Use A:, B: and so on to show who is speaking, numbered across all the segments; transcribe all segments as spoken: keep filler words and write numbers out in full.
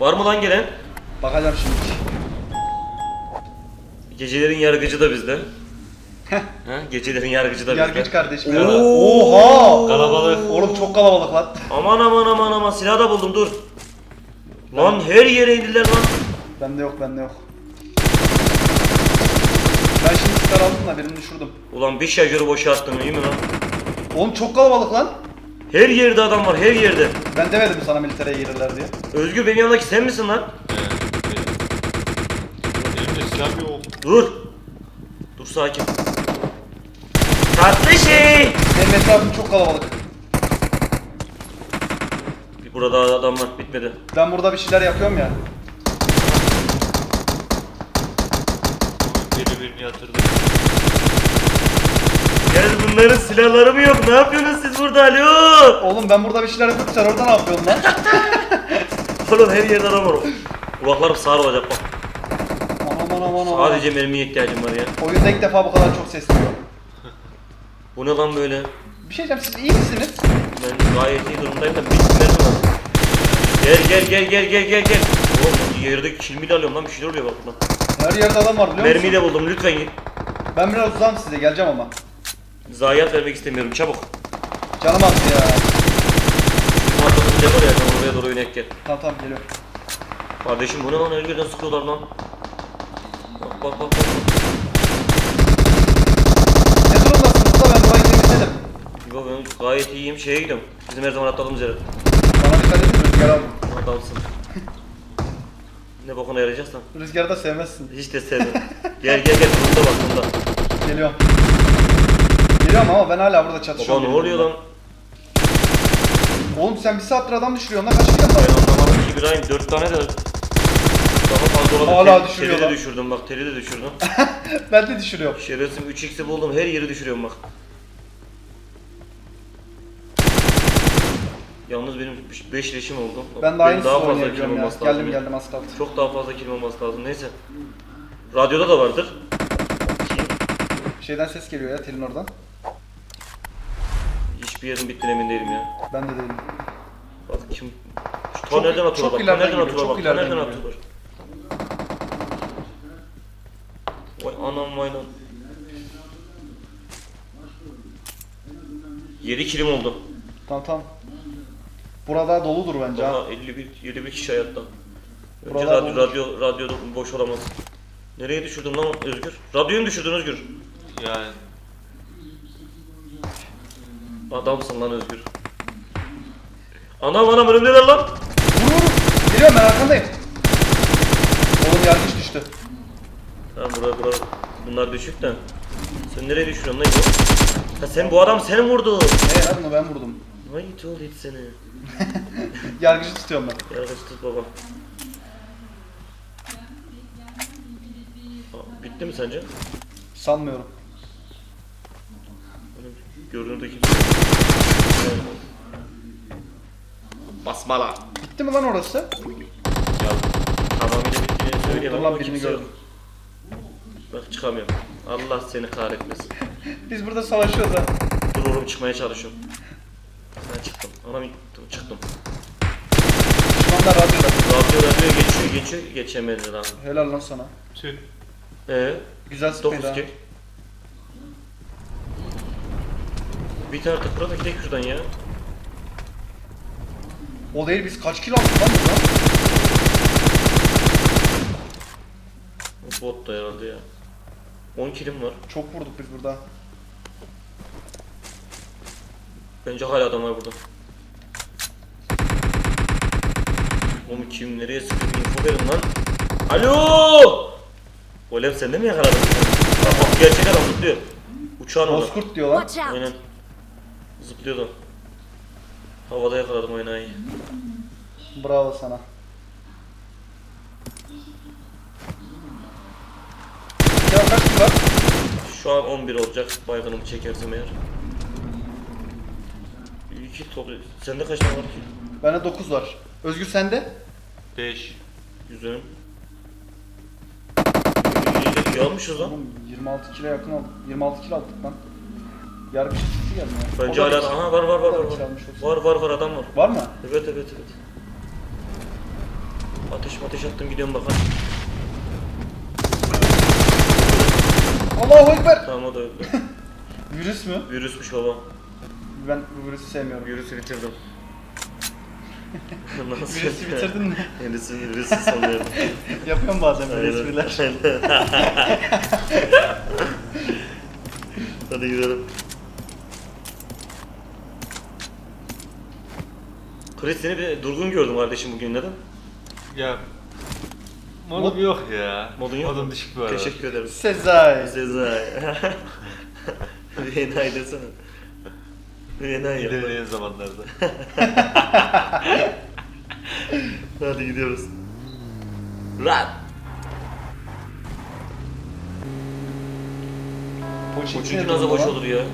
A: Var mı lan gelen?
B: Bakacağım şimdi.
A: Gecelerin yargıcı da bizde. ha, gecelerin yargıcı da bizde.
B: Yargıç kardeşim.
A: Oo.
B: Oha!
C: Kalabalık.
B: Oğlum çok kalabalık lan.
A: Aman aman aman aman silah da buldum dur. Lan her yere indiler lan.
B: Bende yok, bende yok. Ben şimdi sıkar aldım da birini düşürdüm.
A: Ulan bir şarjörü boşa attım iyi mi lan?
B: Oğlum çok kalabalık lan.
A: Her yerde adam var her yerde.
B: Ben demedim sana militere girirler diye.
A: Özgür benim yanımdaki sen misin lan?
C: Evet. Elimde silah yok.
A: Dur. Dur sakin. Tatlı şey.
B: Benim etrafım çok kalabalık.
A: Burada adam var bitmedi.
B: Ben burada bir şeyler yapıyorum ya.
C: Biri birini yatırdı.
A: Gel bunların silahları mı yok? Ne yapıyorsunuz siz burada alo?
B: Oğlum ben burada bir şeyler yapıyorum, sen orada ne yapıyorsun lan?
A: Oğlum her yerde adam var. Kulaklarım sağır olacak bak.
B: Aman aman aman.
A: Sadece mermiye ihtiyacım var ya.
B: Oyunda ilk defa bu kadar çok ses duyuyor.
A: Bu ne lan böyle?
B: Bir şey diyeceğim, siz iyi misiniz?
A: Ben gayet iyi durumdayım da bir mermi var. Gel gel gel gel gel gel gel. Oğlum yerde kilimi alıyorum lan bir şeyler oluyor bak buradan.
B: Her yerde adam var biliyor musun?
A: Mermiyi de buldum lütfen git.
B: Ben biraz uzağım size, geleceğim ama.
A: Zayiat vermek istemiyorum çabuk.
B: Canım attı ya.
A: Bizim arkamızda ne var ya sen oraya doğru yönet gel.
B: Tamam tamam geliyorum.
A: Kardeşim bu ne lan her yerden sıkıyorlar lan. Bak bak bak bak.
B: Ne durumdasınız da ben burayı temizledim.
A: Yo ben gayet iyiyim şeye gidiyorum. Bizim her zaman atladığımız yere.
B: Bana dikkat edin, rüzgar aldım.
A: Adamsın. Ne bokuna yarayacaksan.
B: Rüzgarı da sevmezsin.
A: Hiç de sevmem. Gel gel gel bunda bak bunda.
B: Geliyorum. Geliyorum ama ben hala burada
A: Baba
B: çatışıyorum.
A: ne oluyor lan?
B: Oğlum sen bir saattir adam düşürüyorsun lan, kaç kilo
A: Ben
B: var?
A: anlamadım ki İbrahim dört tane de daha fazla olabilir.
B: Hala
A: Tel-
B: düşürüyor
A: Teli de
B: lan.
A: düşürdüm bak teli de düşürdüm.
B: Ben de düşürüyorum.
A: Şerefsim üç x'i buldum her yeri düşürüyorum bak. Yalnız benim beş leşim oldu.
B: Ben de
A: Benim
B: aynısını
A: daha fazla
B: oynayabiliyorum
A: kilim
B: ya.
A: olması lazım.
B: Geldim
A: ya.
B: geldim az kaldı.
A: Çok daha fazla kilim olması lazım neyse. Radyoda da vardır.
B: Şeyden ses geliyor ya, telin oradan.
A: Hiçbir yerin bittiğine emin değilim ya.
B: Ben de değilim.
A: Bak kim... Şu ta
B: Çok-
A: nereden atıyorlar
B: çok
A: bak, ta
B: ileriden
A: nereden
B: geliyor,
A: atıyorlar
B: çok
A: bak, ta
B: ileriden
A: nereden
B: geliyor.
A: atıyorlar. Vay anam vay lan. yedi kilim oldu.
B: Tamam tamam. Burada doludur bence ha.
A: Daha elli bir, elli bir kişi hayatta. Önce
B: Buralar
A: radyo,
B: olmuş.
A: radyo, radyo da boş olamaz. Nereye düşürdün lan Özgür? Radyoyu mu düşürdün Özgür?
C: Yani.
A: Adamsın lan Özgür. Anam anam önümdeler lan.
B: Vur vur. Geliyorum ben arkandayım. Oğlum yargıç düştü.
A: Tamam buraya buraya. Bunlar düşük de. Sen nereye düşürüyorsun lan İbo? Ha sen bu adam seni vurdu.
B: Hey lan bunu ben vurdum.
A: Vay it it seni.
B: Yargıcı tutuyorum ben.
A: Yargıç tut baba. Aa, bitti mi sence?
B: Sanmıyorum.
A: Benim görünürde kimse. Basmala.
B: Bitti mi lan orası?
A: Ya tamamıyla bittiğini söyleyemem
B: Dur lan
A: ama
B: birini
A: kimse yok.
B: gördüm.
A: Bak çıkamıyorum. Allah seni kahretmesin.
B: Biz burada savaşıyoruz ha.
A: Dur oğlum çıkmaya çalışıyorum. Ben çıktım. Anam çıktım. çıktım.
B: Düşmanlar radyoda.
A: Radyo radyo geçiyor geçiyor geçemedi lan.
B: Helal lan sana.
C: Tüh.
A: Eee?
B: Güzel sıkmaydı ha.
A: dokuz kill. Bir tane tıkıra da gidelim şuradan ya.
B: O değil, biz kaç kilo aldık lan buradan?
A: O bot da herhalde ya. on killim var.
B: Çok vurduk biz burada.
A: Bence hala adam var burada. Oğlum kim nereye sıkıyor info verin lan. Alo! Olem sen de mi yakaladın? Bak bak gerçek adam zıplıyor. Uçağın orada.
B: Bozkurt diyor lan.
D: Watch out!
A: Aynen. Zıplıyordu. Havada yakaladım oynayı.
B: Bravo sana. Ya kaç kilo var?
A: Şu an on bir olacak. Baygınımı çekersem eğer. İki toplu. Sende kaç tane var ki?
B: Bende dokuz var. Özgür sende?
C: beş.
A: Güzel. İyi, iyi almışız lan.
B: Oğlum yirmi altı kilo yakın aldık. yirmi altı kilo aldık lan. Yargıç çıktı geldi ya.
A: Bence
B: O da
A: hala
B: bir-
A: aha var var var
B: o da
A: var.
B: bir
A: Var
B: çalmış olsun.
A: var var, var adam var.
B: Var mı?
A: Evet evet evet. Ateş ateş attım gidiyorum bakalım.
B: Allahu Ekber.
A: Tamam o da öldü.
B: Virüs mü?
A: Virüsmüş baba.
B: Ben bu virüsü sevmiyorum.
A: Virüsü bitirdim. Nasıl?
B: Virüsü bitirdin mi?
A: Virüsü virüsü sanıyorum.
B: Yapıyorum bazen böyle
A: Aynen.
B: espriler.
A: Hadi gidelim. Chris seni bir durgun gördüm kardeşim bugün neden?
C: Ya modum yok ya.
A: Modun yok
C: Modum
A: mu?
C: düşük bu arada.
A: Teşekkür ederim.
B: Sezai.
A: Sezai. Bir enayi desene. Bir enayi yap.
C: İlerleyen zamanlarda.
A: Hadi gidiyoruz. Lan! Çünkü nasıl boş olur ya?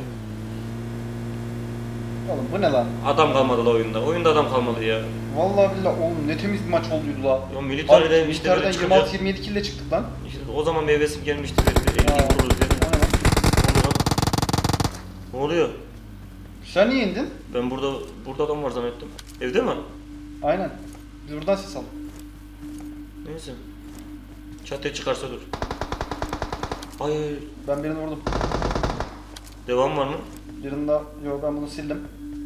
B: Oğlum bu ne lan?
A: Adam kalmadı la oyunda. Oyunda adam kalmadı ya.
B: Vallahi billahi oğlum ne temiz bir maç olduydu la.
A: Ya militerden
B: Abi,
A: işte böyle
B: militerden
A: çıkınca...
B: yirmi altı yirmi yedi kill ile çıktık lan.
A: İşte o zaman meyvesim gelmişti. Böyle bir
B: Aa,
A: elli vururuz diye.
B: o ne lan?
A: Ne oluyor lan? Ne oluyor?
B: Sen niye indin?
A: Ben burada burada adam var zannettim. Evde mi?
B: Aynen. Biz buradan ses al.
A: Neyse. Çatıya çıkarsa dur. Ay, ay, ay.
B: Ben birini vurdum.
A: Devam var mı?
B: Birini daha... Yo ben bunu sildim.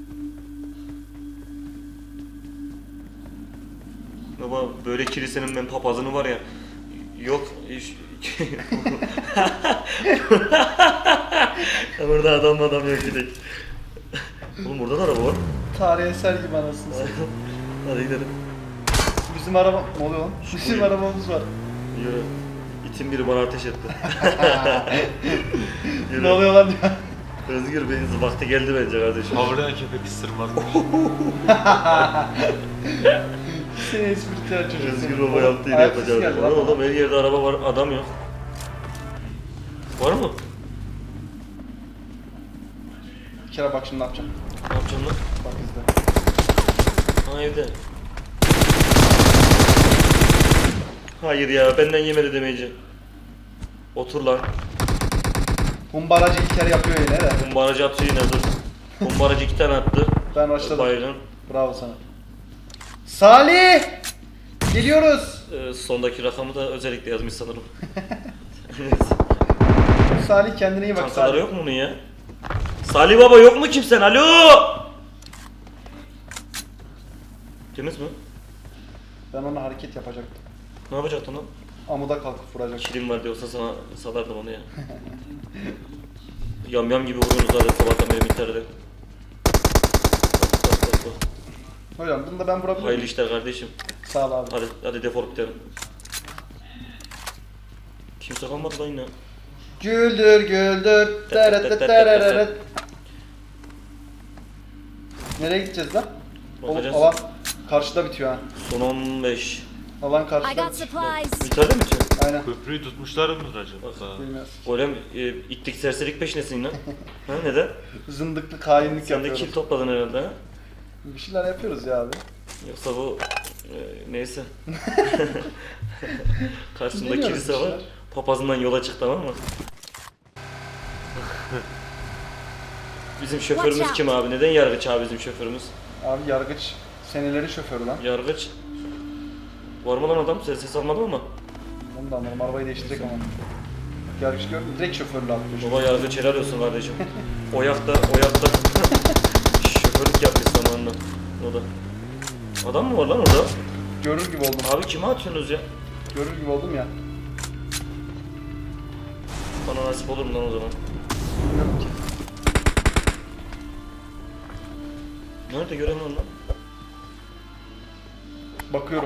A: Baba böyle kilisenin ben papazını var ya. Yok. iş- Burada adam adam yok gidelim. Oğlum burada da araba var.
B: Tarihi eser gibi anasını satayım.
A: Hadi gidelim.
B: Bizim araba... Ne oluyor lan? Bizim
A: Buyur.
B: arabamız var.
A: Yürü. İtin biri bana ateş etti. Yürü.
B: Ne oluyor lan ya?
A: Özgür Bey'in vakti geldi bence kardeşim.
C: Havlayan köpek ısırmazmış.
B: Seni espritüel çocuk.
A: Özgür
B: seni.
A: baba yaptı yine
B: Ayak sesi
A: yapacağım.
B: geldi lan.
A: Oğlum her yerde araba var, adam yok. Var mı?
B: Bir kere bak şimdi ne yapacağım.
A: Ne yapacaksın lan?
B: Bak izle.
A: Ha evde. Hayır ya, benden yemedi demeyeceğim. Otur lan.
B: Humbaracı ilk kere yapıyor yine de.
A: Kumbaracı atıyor yine dur. Kumbaracı iki tane attı.
B: Ben başladım.
A: Baygın.
B: Bravo sana. Salih! Geliyoruz.
A: Ee, sondaki rakamı da özellikle yazmış sanırım. Neyse.
B: Salih kendine iyi bak
A: Kankaları
B: Salih.
A: yok mu bunun ya? Salih baba yok mu kimsen? Alo! Temiz mi?
B: Ben ona hareket yapacaktım.
A: Ne yapacaktın lan?
B: Amuda kalkıp vuracaktım.
A: Kilim var diyorsa sana salardım onu ya. Yam yam gibi vuruyorsunuz zaten sabahtan beri mitlerde. Bak bak bak bak.
B: Hocam bunu da ben vurabilir
A: Hayırlı
B: miyim?
A: işler kardeşim.
B: Sağ ol abi.
A: Hadi hadi defol gidelim. Kimse kalmadı lan yine.
B: Güldür güldür. Teret teret. Nereye gideceğiz lan? Oğlum
A: Bakacağız.
B: alan karşıda bitiyor ha.
A: Son on beş.
B: Alan
D: I
B: karşıda
D: got
B: bitiyor.
D: supplies.
A: Mitlerde mi bitiyor?
B: Aynen.
C: Köprüyü tutmuşlar mıdır acaba?
B: Bilmiyoruz.
A: Golem e, itlik serserilik peşindesin lan. Ha neden?
B: Zındıklık, hainlik
A: Sen de
B: yapıyoruz.
A: kill topladın herhalde ha?
B: Bir şeyler yapıyoruz ya abi.
A: Yoksa bu e, neyse. Karşımda
B: Deniyoruz
A: kilise
B: bir
A: var.
B: şeyler.
A: Papazından yola çık tamam mı? Bizim şoförümüz
D: Watch
A: kim abi? Neden yargıç abi bizim şoförümüz?
B: Abi yargıç seneleri şoförü lan.
A: Yargıç. Var mı lan adam? Ses ses almadım ama.
B: Onu da anlarım. Arabayı değiştirecek ama. Yargıç gördüm. Direkt şoförlü atlıyor.
A: Baba yargıç helal olsun kardeşim. Oyakta, oyakta. Şoförlük yapmış zamanında. O da. Adam mı var lan orada?
B: Görür gibi oldum.
A: Abi kime atıyorsunuz ya?
B: Görür gibi oldum ya.
A: Bana nasip olur mu lan o zaman?
B: Bilmiyorum ki.
A: Nerede göremiyorum lan?
B: Bakıyorum.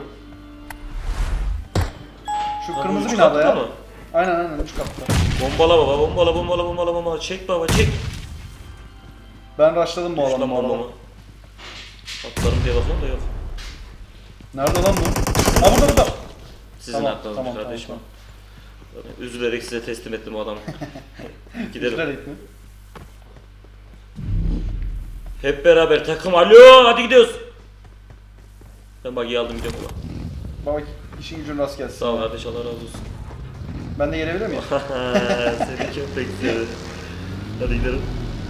B: Şu
A: Abi
B: kırmızı
A: üç
B: binada
A: katlı
B: ya.
A: mı?
B: Aynen aynen üç katlı.
A: Bombala baba, bombala, bombala, bombala, bombala. Çek baba, çek.
B: Ben rushladım bu
A: Üç
B: alanı
A: lan
B: bu arada.
A: bombamı. Atlarım diye bakıyorum da yok.
B: Nerede lan bu? Ha burada burada.
A: Sizin
B: Tamam,
A: aklınız
B: tamam,
A: kardeşim.
B: tamam,
A: Zaten üzülerek size teslim ettim o adamı. Gidelim.
B: Üzülerek mi?
A: Hep beraber takım. Alo, hadi gidiyoruz. Ben bagiyi aldım gidiyorum baba.
B: Baba işin gücün rast gelsin.
A: Sağ ol kardeş, Allah razı olsun.
B: Ben de gelebilir miyim?
A: Seni köpek seni. Hadi gidelim.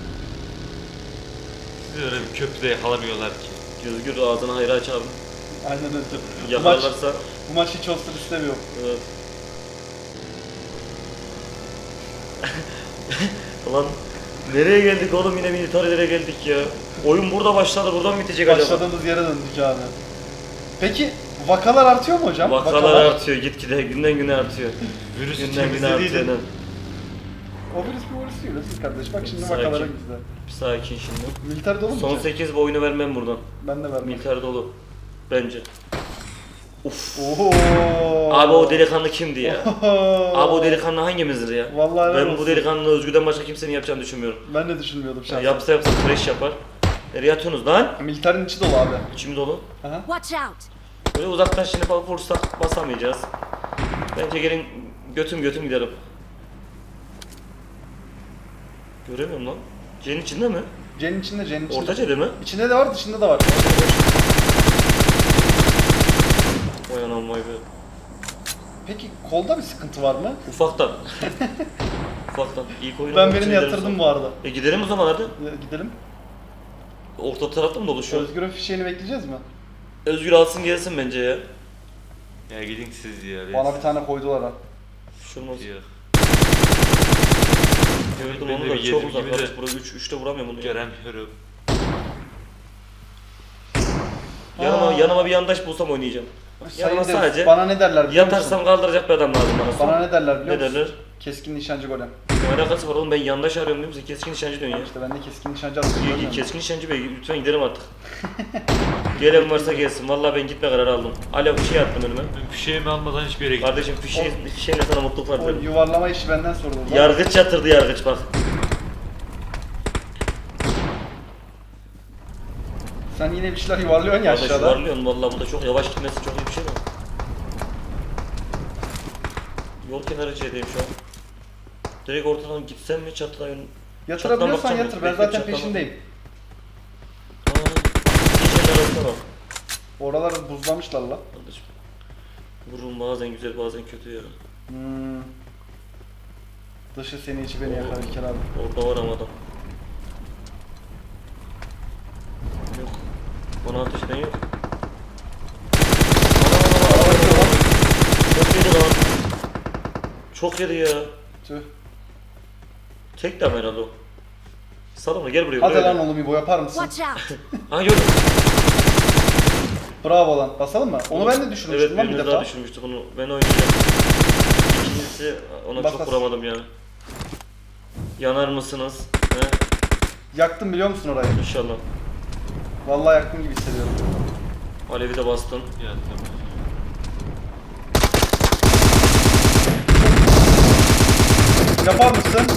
C: Sizi öyle bir köprüde yakalamıyorlar ki.
A: Gözgür ağzını hayra aç abi.
B: Aynen öyle. Bu maç,
A: Yakalarlarsa
B: Bu maç hiç olsun istemiyorum.
A: Evet. Ulan nereye geldik oğlum, yine militarilere geldik ya. Oyun burada başladı, buradan bitecek acaba.
B: Başladığımız yere döndük abi. Peki vakalar artıyor mu hocam?
A: Vakalar artıyor gitgide, günden güne artıyor.
C: Virüs
A: Günden güne artıyor.
C: temizlediydin.
A: lan.
B: O virüs bir virüs değil nasıl kardeş? Bak şimdi
A: Sakin.
B: vakalara bizde.
A: Bir sakin şimdi.
B: Militer dolu mu?
A: Son
B: ki?
A: sekiz bu oyunu vermem buradan.
B: Ben de vermem.
A: Militer dolu. Bence. Uf.
B: Oho.
A: Abi o delikanlı kimdi ya?
B: Oho.
A: Abi o delikanlı hangimizdir ya?
B: Vallahi helal
A: ben bu
B: olsun.
A: delikanlı Özgür'den başka kimsenin yapacağını düşünmüyorum.
B: Ben de düşünmüyordum
A: Ya
B: şahsen.
A: yapsa yapsa crash yapar. Nereye atıyorsunuz lan?
B: Militerin içi dolu abi.
A: İçim dolu.
B: Aha.
D: Watch out!
A: Böyle uzaktan şimdi bak vursak basamayacağız. Bence gelin götüm götüm gidelim. Göremiyorum lan. C'nin içinde mi?
B: C'nin içinde, C'nin içinde.
A: Orta C'de mi?
B: İçinde de var, dışında da var.
A: Vay anam vay be.
B: Peki kolda bir sıkıntı var mı?
A: Ufaktan. Ufaktan. İlk oyunu
B: Ben
A: için
B: birini
A: gidelim
B: yatırdım
A: sonra.
B: bu arada.
A: E gidelim o zaman hadi.
B: Ya, gidelim.
A: Orta tarafta mı dolu şu an?
B: Özgür'ün fişeğini bekleyeceğiz mi?
A: Özgür alsın gelsin bence ya.
C: Ya gidin siz ya. ben-
B: Bana bir tane koydular ha.
A: Şunu
C: Yok.
A: gördüm
C: Ben
A: onu
C: de
A: da
C: bir
A: çok
C: yedim
A: uzak.
C: gibi de.
A: Kardeş burada üç üçte vuramıyorum bunu. Ya.
C: Göremiyorum.
A: Yanıma,
B: Aa.
A: yanıma bir yandaş bulsam oynayacağım. Yanıma
B: Sayın
A: sadece
B: bana ne derler biliyor
A: yatarsam
B: musun?
A: kaldıracak bir adam lazım bana.
B: Bana ne derler biliyor
A: Ne
B: musun?
A: derler?
B: Keskin nişancı golem.
A: Ne alakası var oğlum, ben yandaş arıyorum değil mi? Sen keskin nişancı diyorsun ya.
B: İşte ben de keskin nişancı
A: İyi,
B: atıyorum.
A: iyi, keskin nişancı bey lütfen gidelim artık. Gelen varsa gelsin. Vallahi ben gitme kararı aldım. Alo bir şey attım önüme.
C: Ben fişeğimi almadan hiçbir yere gitmedim.
A: Kardeşim fişeğin, fişeğinle sana mutluluklar
B: O
A: dilerim.
B: yuvarlama işi benden soruldu.
A: Yargıç yatırdı yargıç bak.
B: Sen yine bir şeyler yuvarlıyorsun ya
A: Kardeş
B: aşağıda.
A: varlıyorsun vallahi, bu da çok yavaş gitmesi çok iyi bir şey mi? Yol kenarı C'deyim şu an. Direkt ortadan gitsem mi çatıdan yön...
B: Yatırabiliyorsan
A: Çatlamak
B: yatır.
A: çok
B: Ben
A: iyi.
B: zaten
A: Çatlamak.
B: peşindeyim.
A: Aaa. Geçenler arasında bak.
B: Oraları buzlamışlar la.
A: Kardeşim. Vururum bazen güzel bazen kötü ya.
B: Hmm. Dışı seni içi beni yakar İlker abi.
A: Orada var ama adam. Yok. Bana ateş eden yok. Ana, ana, ana,
B: Araba gidiyor lan.
A: Çok yedi lan. Çok yedi ya.
B: Tüh.
A: Tek de herhalde o. Salama gel buraya.
B: Hadi
A: buraya.
B: lan oğlum İbo yapar mısın?
D: Watch out!
A: Ha gördüm.
B: Bravo lan. Basalım mı? Onu ben de düşünmüştüm
A: Evet,
B: lan bir
A: birimiz
B: defa.
A: daha düşünmüştük onu. Ben oynayacağım. İkincisi ona
B: Bas,
A: çok
B: bas.
A: vuramadım ya. Yanar mısınız? He?
B: Yaktım biliyor musun orayı?
A: İnşallah.
B: Vallahi yaktım gibi hissediyorum.
A: Alevi de bastın.
C: Ya tamam.
B: Yapar mısın?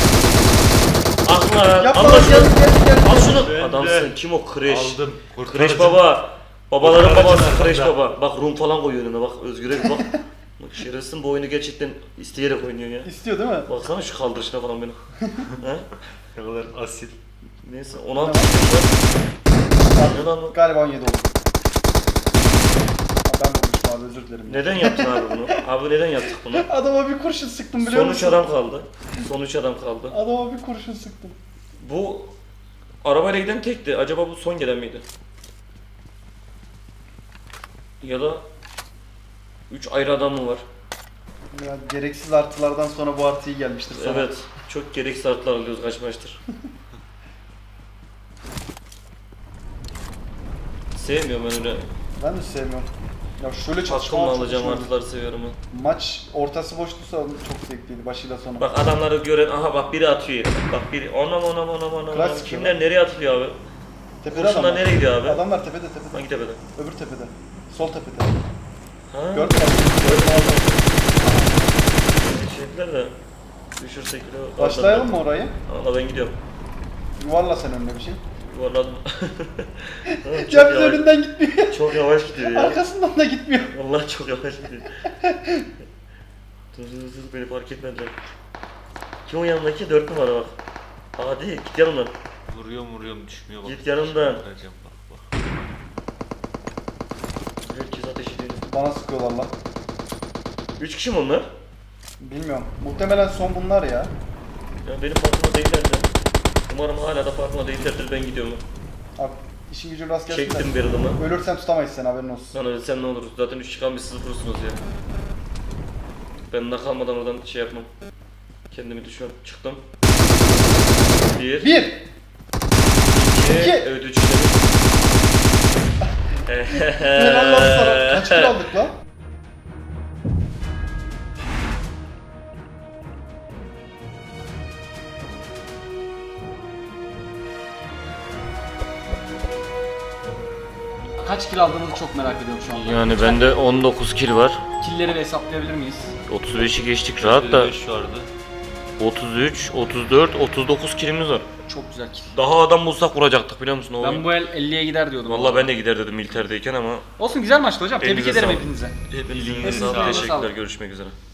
A: Ah lan!
B: Yapma
A: Allah
B: lan
A: şunu!
B: gel gel gel.
A: Al şunu!
C: Ben
A: Adamsın.
C: de
A: Kim o? Kreş.
C: Aldım.
A: Kreş baba. Babaların
C: Kurtarıcı
A: babası Kreş
C: arkada.
A: baba. Bak Rum falan koyuyor önüne bak. Özgür'e bir bak. Bak şerefsin bu oyunu gerçekten isteyerek oynuyor ya.
B: İstiyor değil mi?
A: Baksana şu kaldırışına falan benim. He?
C: Ne kadar asil.
A: Neyse on altı yaşında. Ne lan o?
B: Galiba on yedi oldu. Ha, ben bulmuşum abi özür dilerim.
A: Neden yaptın abi bunu? Abi neden yaptık bunu?
B: Adama bir kurşun sıktım biliyor
A: Son üç
B: musun?
A: adam kaldı. Son üç adam kaldı.
B: Adama bir kurşun sıktım.
A: Bu arabayla giden tekti. Acaba bu son gelen miydi? Ya da üç ayrı adam mı var?
B: Ya, gereksiz artılardan sonra bu artı iyi gelmiştir sana.
A: Evet. Çok gereksiz artılar alıyoruz kaç maçtır. Sevmiyorum ben öyle.
B: Ben de sevmiyorum. Ya şöyle
A: Takımla
B: çatışma
A: alacağım artıları seviyorum ben.
B: Maç ortası boştuysa çok zevkliydi başıyla sonu.
A: Bak adamları gören, aha bak biri atıyor yere. Bak biri, onam onam onam onam.
B: Klas
A: onam.
B: sıkıyor
A: Kimler nereye atılıyor abi?
B: Tepede
A: Kurşunlar
B: adamlar.
A: nereye gidiyor abi?
B: Adamlar tepede tepede.
A: Hangi tepede?
B: Öbür tepede. Sol tepede.
A: Ha?
B: Gördün mü?
A: Gördüm aldım. Şeyler de düşürsek de.
B: Başlayalım mı orayı?
A: Allah ben gidiyorum.
B: Yuvarla sen önüne bir şey.
A: Yuvarladım. Tamam, çok,
B: Ya biz
A: yavaş,
B: önünden gitmiyor.
A: çok yavaş gidiyor ya.
B: Arkasından da gitmiyor.
A: Vallahi çok yavaş gidiyor. Dur dur dur beni fark etmediler. Kim o yanındaki? Dört numara bak. Hadi git yanımdan.
C: Vuruyorum vuruyorum düşmüyor bak.
A: Git yanımdan.
C: Vuracağım bak bak.
A: Herkes ateş ediyor.
B: Bana sıkıyorlar lan.
A: Üç kişi mi onlar?
B: Bilmiyorum. Muhtemelen son bunlar ya.
A: Ya benim farkıma değillerdi. Umarım hala da farkıma değillerdir, ben gidiyorum.
B: Abi, İşin gücün rast gelsin
A: Çektim
B: de.
A: bir adımı.
B: Ölürsen tutamayız sen, haberin olsun.
A: Lan ölsen ne olur? Zaten üç çıkan bir sıfırsınız ya. Ben de kalmadan oradan şey yapmam. Kendimi düşmem. Çıktım. Bir.
B: Bir!
A: İki.
B: İki.
A: Evet üç dedim.
B: Helal lan sana. Kaç kill aldık lan? Kaç kill aldığımızı çok merak ediyorum şu anda.
A: Yani bende on dokuz kill var.
B: Killleri de hesaplayabilir miyiz?
A: otuz beşi geçtik rahat da.
C: elli beş vardı.
A: otuz üç, otuz dört, otuz dokuz killimiz var.
B: Çok güzel kill.
A: Daha adam bulsak vuracaktık biliyor musun o
B: Ben
A: oyun?
B: bu el elliye gider diyordum.
A: Vallahi ben de gider dedim militerdeyken ama
B: Olsun, güzel maçtı hocam. Tebrik
A: Elinize
B: ederim
A: sağlık.
B: hepinize.
A: hepinizin
C: Elinize
A: sağlık.
B: sağlık.
A: Teşekkürler. Görüşmek üzere.